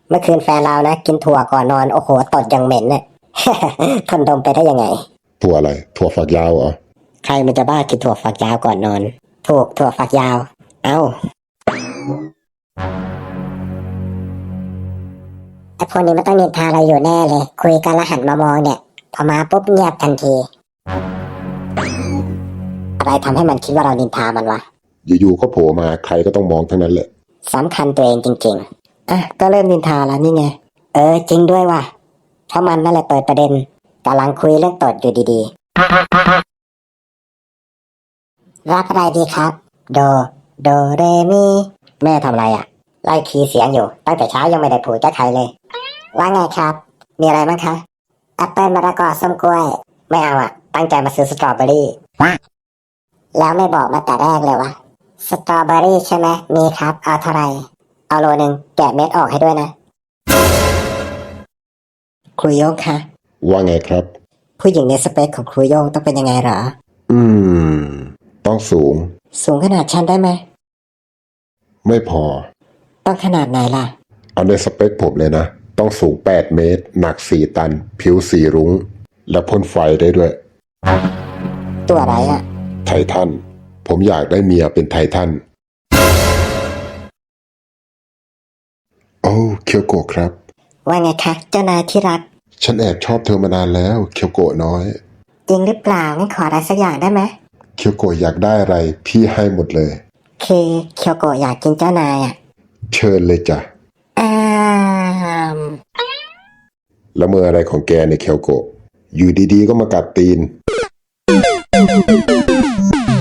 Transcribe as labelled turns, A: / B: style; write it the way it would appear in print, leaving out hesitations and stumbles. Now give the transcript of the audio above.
A: เมื่อคืนแฟนเรานะกินถั่วก่อนนอนโอ้โหตดอย่างเหม็นเนี่ย ทนดมไปได้ยังไง
B: ถั่วอะไรถั่วฝักยาวเหรอ
A: ใครมันจะบ้ากินถั่วฝักยาวก่อนนอนถูกถั่วฝักยาวเอ้าไอพวกนี้มันต้องนินทาเราอยู่แน่เลยคุยกันแล้วหันมามองเนี่ยพอมาปุ๊บเงียบทันทีอะไรทำให้มันคิดว่าเรานินทามันวะ
B: อยู่ๆก็โผล่มาใครก็ต้องมองทั้งนั้นแหละ
A: สำคัญตัวเองจริงๆอ่ะก็เริ่มนินทาแล้วนี่ไงจริงด้วยว่ะเพราะมันนั่นแหละเปิดประเด็นกำลังคุยเรื่องตดอยู่ดีๆรับอะไรดีครับโดเรมีแม่ทำอะไรอ่ะไล่คีย์เสียงอยู่ตั้งแต่เช้ายังไม่ได้พูดกับใครเลยว่าไงครับมีอะไรบ้างคะแอปเปิลมะละกอส้มกล้วยไม่เอาอ่ะตั้งใจมาซื้อสตรอเบอรี่แล้วไม่บอกมาแต่แรกเลยวะสตรอเบอรี่ใช่ไหมมีครับเอาเท่าไหร่เอาโลนึงแกะเม็ดออกให้ด้วยนะครูโย่งคะ
B: ว่าไงครับ
A: ผู้หญิงในสเปคของครูโย่งต้องเป็นยังไงเหรอ
B: อืมต้อง
A: สูงขนาดฉันได้ไหม
B: ไม่พอ
A: ต้องขนาดไหนล่ะ
B: เอาในสเปคผมเลยนะต้องสูง8 เมตรหนัก4 ตันผิวสีรุ้งและพ่นไฟได้ด้วย
A: ตัวอะไรอ่ะ
B: ไททันผมอยากได้เมียเป็นไททันโอ้เคียวโกะครับ
A: ว่าไงคะเจ้านายที่รัก
B: ฉันแอบชอบเธอมานานแล้วเคียวโกะน้อย
A: จริงหรือเปล่างั้นขออะไรสักอย่างได้ไหม
B: เคียวโกะอยากได้อะไรพี่ให้หมดเลย
A: คือเคียวโกะอยากกินเจ้านายอ่ะ
B: เชิญเลยจ้ะ
A: อ้าม
B: แล้วมืออะไรของแกในเคียวโกะอยู่ดีๆก็มากัดตีน